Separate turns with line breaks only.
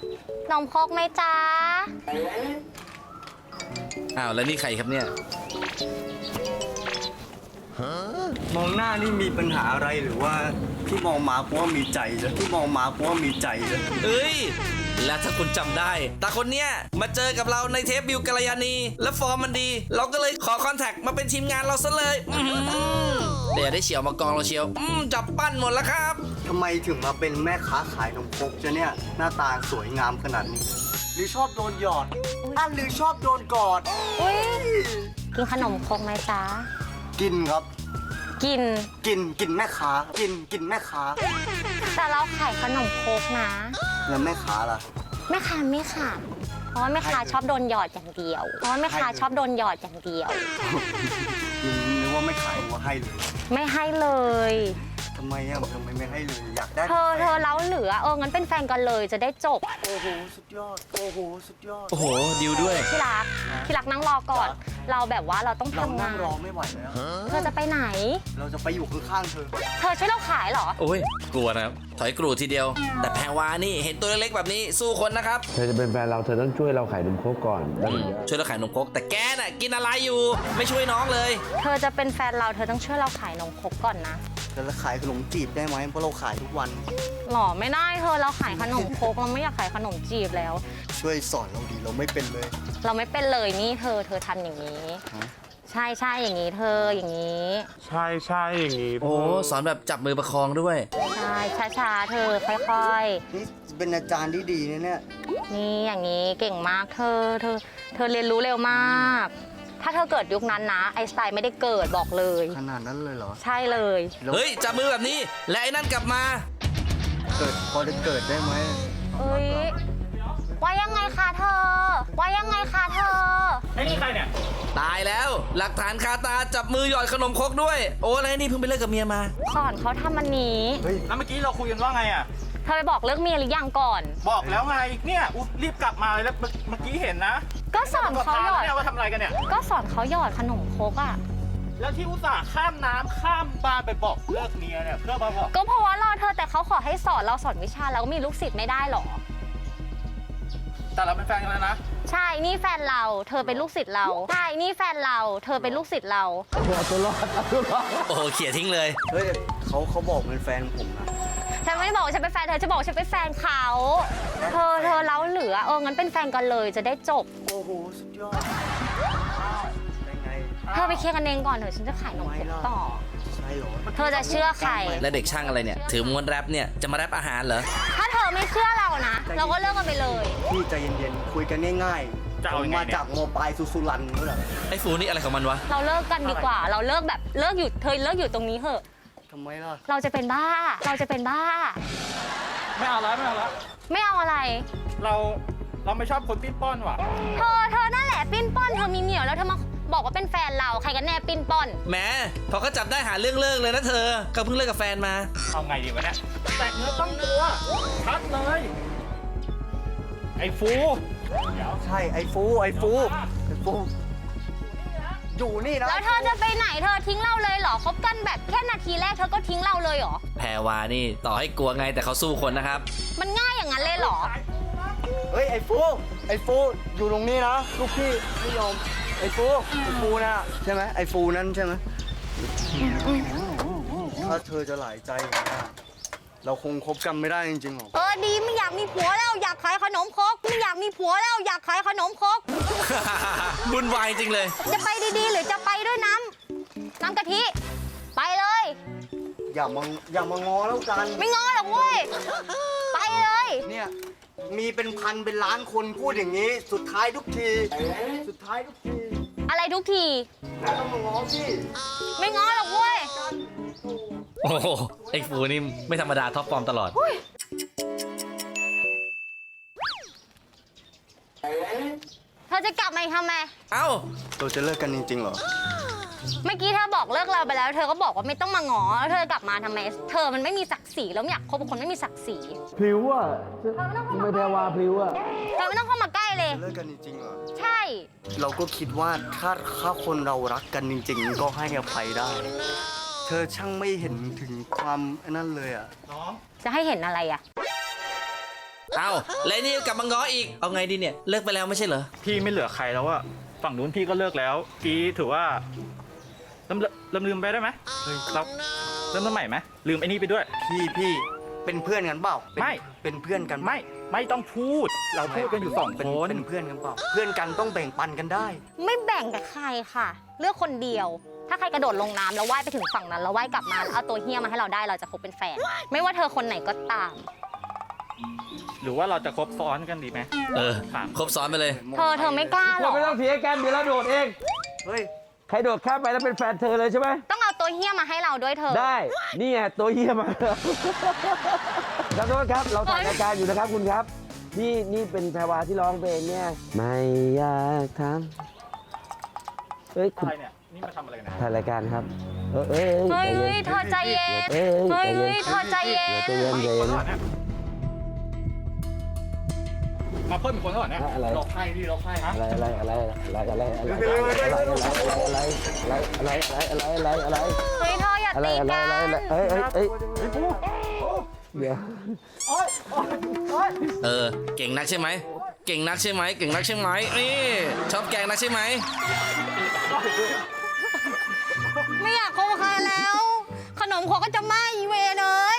นมครกไหมจ๊ะ
อ้าวแล้วนี่ใครครับเนี่ย
มองหน้านี่มีปัญหาอะไรหรือว่าที่มองมาเพราะว่ามีใจแล้วที่มองมาเพราะว่ามีใจแล้ว
เอ้ย แล้วถ้าคุณจำได้ตาคนเนี้ยมาเจอกับเราในเทปบิวกัลยาณีและฟอร์มมันดี เราก็เลยขอคอนแทคมาเป็นทีมงานเราซะเลยเดี๋ยวได้เฉียวมากองเราเชียวจับปั้นหมดแล้วครับ
ทำไมถึงมาเป็นแม่ค้าขายนมครกจะเนี่ยหน้าตาสวยงามขนาดนี้ หรือชอบโดนหยอดหรือชอบโดนกอด
อุ้ยกินขนมครกไหมจ๊ะ
กินครับ
กิน
กินแม่ค้ากินแม่ค้า
แต่เราขายขนมครกนะ
แล้วแม่ค้าล่ะ
แม่ค้าไม่ค่ะเพราะว่าแม่ค้าชอบโดนหยอดอย่างเดียว เพราะว่าแม่ค้าชอบโดนหยอดอย่างเดียว
นึกว่าไม่ขายว่าให้เลย
ไม่ให้เลย
ทำไมไม่ให้เลยอยากได้
เธอเล้าเหลืองั้นเป็นแฟนกันเลยจะได้จบ
โอ้โหสุดยอดโอ้โหสุดยอด
โอ้โหดิวด้วย
ที่รักนั่งรอก่อน เราแบบว่าเราต้อง
เรา
ทำ
นั่
งาง น
รอไม่ไหวแล้ว
เธอจะไปไหน
เราจะไปอยู่ข้างๆเธอ
เธอช่วยเราขายเหรอ
โอ้ยกลัวนะครับถอยกรูทีเดียว แต่แพรวานี่เห็นตัวเล็กๆแบบนี้สู้คนนะครับ
เธอจะเป็นแฟนเราเธอต้องช่วยเราขายนมโคกก่อนได้ไหม
ช่วยเราขายนมครกแต่แกน่ะกินอะไรอยู่ ไม่ช่วยน้องเลย
เธอจะเป็นแฟนเราเธอต้องช่วยเราขายนมครกก่อนนะ
แล้วขายขนมจีบได้ไหมเพราะเราขายทุกวัน
หรอไม่ได้เธอเราขายขนมครกเราไม่อยากขายขนมจีบแล้ว
ช่วยสอนเราดีเราไม่เป็นเลย
เราไม่เป็นเลยนี่เธอทำอย่างนี้
ฮะ
ใช่อย่างนี้เธออย่างนี้
ใช่อย่างนี้
โอ้สอนแบบจับมือประคองด้วย
ใช่ช้าๆเธอค่อย
นี่เป็นอาจารย์ที่ดีนะเนี่ย
ๆนี่อย่างนี้เก่งมากเธอเรียนรู้เร็วมาก ถ้าเธอเกิดยุคนั้นนะไอน์สไตน์ไม่ได้เกิดบอกเลย
ขนาดนั้นเลยเหรอ
ใช่เลย
แล้ว
เฮ้ยจับมือแบบนี้และไอ้นั่นกลับมา
พอจะเกิดได้ไหม
เอ้ยว่ายังไงคะเธอว่ายังไงคะเธอ
ไอ้นี่ใครเนี่ย
ตายแล้ว หลักฐานคาตาจับมือหยอดขนมครกด้วย โอ้อะไรนี่เพิ่งไปเลิกกับเมียมา
สอนเขาทำอันนี้
เฮ้ย
แล้วเมื่อกี้เราคุยกันว่าไงอ่ะ
เธอไปบอกเลิกเมียหรือยังก่อน
บอกแล้วไง เนี่ยอุ๊ยรีบกลับมาเลยแล้วเมื่อกี้เห็นนะ
ก็สอนเขาหยอด
เนี่ยว่าทำอะไรกันเนี่ย
ก็สอนเขาหยอดขนมครกอ่ะ
แล้วที่อุตส่าห์ข้ามน้ำข้ามบ้านไปบอกเลิกเมียเนี่ยเพื่อมาบอก
ก็เพราะว่ารอเธอแต่เขาขอให้สอนเราสอนวิชาแล้วมีลูกศิษย์ไม่ได้หรอ
แต่เราเป็นแฟนกันแล้วนะ
ใช่นี่แฟนเราเธอเป็นลูกศิษย์เราใช่นี่แฟนเราเธอเป็นลูกศิษย์เรา
โอ้โหเขี่ยทิ้งเลย
เฮ้ยเขาบอกเป็นแฟนผมนะ
ฉันไม่ได้บอกว่าฉันเป็นแฟนเธอจะบอกว่าฉันเป็นแฟนเขาเธอเล้าเหลืองั้นเป็นแฟนกันเลยจะได้จบ
โอ้โหสุดยอดได้ไง
เธอไปเคลียร์กันเองก่อนเถอะฉันจะขายนมครกต่อ
ใช่เหรอ
เธอจะเชื่อใคร
และเด็กช่างอะไรเนี่ย ถือม้วนแรปเนี่ยจะมาแรปอาหารเหรอ
ถ้าเธอไม่เชื่อเรานะ เราก็เลิกกันไปเลย
พี่ใจเย็นๆคุยกันง่ายๆ
จะเอา
ผม
ยังไง
มา
เนี่ย
จากโมบายสุรันนี่แหละ
ไอ้ฟูนี่อะไรของมันวะ
เราเลิกกันดีกว่า เราเลิกแบบเลิกอยู่เธอเลิกอยู่ตรงนี้เถอะ
ทำไมล่ะ
เราจะเป็นบ้า เราจะเป็นบ้า
ไม่เอาแล้วไม่เอาแล้ว
ไม่เอาอะไร
เราไม่ชอบคนปิ้นป้อนว่ะ
เธอนั่นแหละปิ้นป้อนเธอมีเหนียวแล้วเธอมาบอกว่าเป็นแฟนเราใครกันแน่ปิ้นป้อน
แหมพอเขาจับได้หาเรื่องเลิกเลยนะเธอเขาเพิ่งเลิกกับแฟนมา
เอาไงดีวะเนี่ย แต่เนื้อต้องตัวชัดเลย ไอ้ฟูเดี๋ยว
ใช่ไอ้ฟูอยู่นี่นะ
แล้วเธอจะไปไหนเธอทิ้งเราเลยเหรอคบกันแบบแค่นาทีแรกเธอก็ทิ้งเราเลยเหรอ
แพรวานี่ต่อให้กลัวไงแต่เขาสู้คนนะครับ
มันง่ายอย่างนั้นเลยเหรอ
เฮ้ยไอ้ฟูอยู่ตรงนี้นะลูกพี่ไม่ยอมไอ้ฟูนะใช่ไหมไอ้ฟูนั่นใช่ไหมถ้าเธอจะหลายใจอย่างนี้นะเราคงคบกันไม่ได้จริงๆหรอก
ดีไม่อยากมีผัวแล้วอยากขายขนมครกไม่อยากมีผัวแล้วอยากขายขนมครก
บุญวายจริงเลย
จะไปดีๆ หรือจะไปด้วยน้ำกะทิ ไปเลย
อย่ามางอแล้วกัน
ไม่ง้อหรอกเว้ย ไปเลย
เนี่ยมีเป็นพันเป็นล้านคนพูดอย่างนี้ สุดท้ายทุกที
อะไรทุกที
แล้วต้องมางอพี่
ไม่ง้อหรอกเว้ย
โอ้โหไอ้ฟูนี่ไม่ธรรมดาท็อปฟอร์มตลอด
เธอจะกลับมาอีกทำไม
เอ้า
เราจะเลิกกันจริงๆเหรอ
เมื่อกี้เธอบอกเลิกเราไปแล้ว เธอก็บอกว่าไม่ต้องมาง้อแล้วเธอกลับมาทำไม เธอมันไม่มีศักดิ์ศรีแล้วไม่อยากคบกับคนไม่มีศักดิ์ศรี
พลิ้วอ่ะไม่แพรวาพลิ้วอ่ะ
เธอไม่ต้องเข้ามาใกล้เลย
เลิกกันจริงๆเหรอ
ใช่
เราก็คิดว่าถ้าคนเรารักกันจริงๆ ก็ให้อภัยได้ เธอช่างไม่เห็นถึงความนั่นเลยอ่ะ
น้อง
จะให้เห็นอะไรอ่ะ
เอาแล้วนี่กลับมาง้ออีกเอาไงดีเนี่ยเลิกไปแล้วไม่ใช่เหรอ
พี่ไม่เหลือใครแล้วอะฝั่งนู้นพี่ก็เลิกแล้วกี้ถือว่าลืมไปได้ไหมเราเริ่มต้นใหม่ไหมลืมไอ้นี่ไปด้วย
พี่เป็นเพื่อนกันเปล่าเป็น
ไม่
เป็นเพื่อนกัน
ไม่ต้องพูด เราพูดกันอยู่สอง
เป็น
คน
เป็นเพื่อนกันเปล่าเพื่อนกันต้องแบ่งปันกันได้
ไม่แบ่งกับใครค่ะ เลือกคนเดียว ถ้าใครกระโดดลงน้ำแล้วว่ายไปถึงฝั่งนั้นแล้วว่ายกลับมาแล้วเอาตัวเฮี้ยมาให้เราได้เราจะคบเป็นแฟน ไม่ว่าเธอคนไหนก็ตาม
หรือว่าเราจะคบซ้อนกันดีไหม
ครบซ้อนไปเลย
เธอไม่กล้าหร
เรา
อ
ไม่ต้องเสียกันเดี๋ยวเราโดดเอง
เฮ้ย
ใครโดดข้ามไปแล้วเป็นแฟนเธอเลยใช่ไหม
ต้องเอาตัวเฮี้ยมาให้เราด้วยเธอ
ได้ นี่ไงตัวเยี่ยมมาขอโทษครับ เราถ่ายรายการอยู่นะครับคุณครับ นี่เป็นแพรวาที่ร้องเพลงเนี่ย ไม่อยากทำเฮ้ยคุณ
อะไรเนี่ย นี่มาทำอะไรกันนะ
ถ่ายรายการครับเฮ้ย
เฮ้ยเธอใจเย็น
เฮ้ย
เฮ้ยเธอใจเย็น
ใจเย็นใจเย็น
มาเพิ่มอีกคนก่อนนะ
อะไร
เราไพ่พี่เราไพ่ฮะ
อะไร
เฮ้ยเธออย่าตีกัน
เฮ้ยเดี๋ยว
เก่งนักใช่ไหมเก่งนักใช่ไหมเก่งนักใช่ไหมนี่ชอบแกงนักใช่ไหม
ไม่อยากคบกับใครแล้ว ขนมเขาก็จะไหม้เวรเลย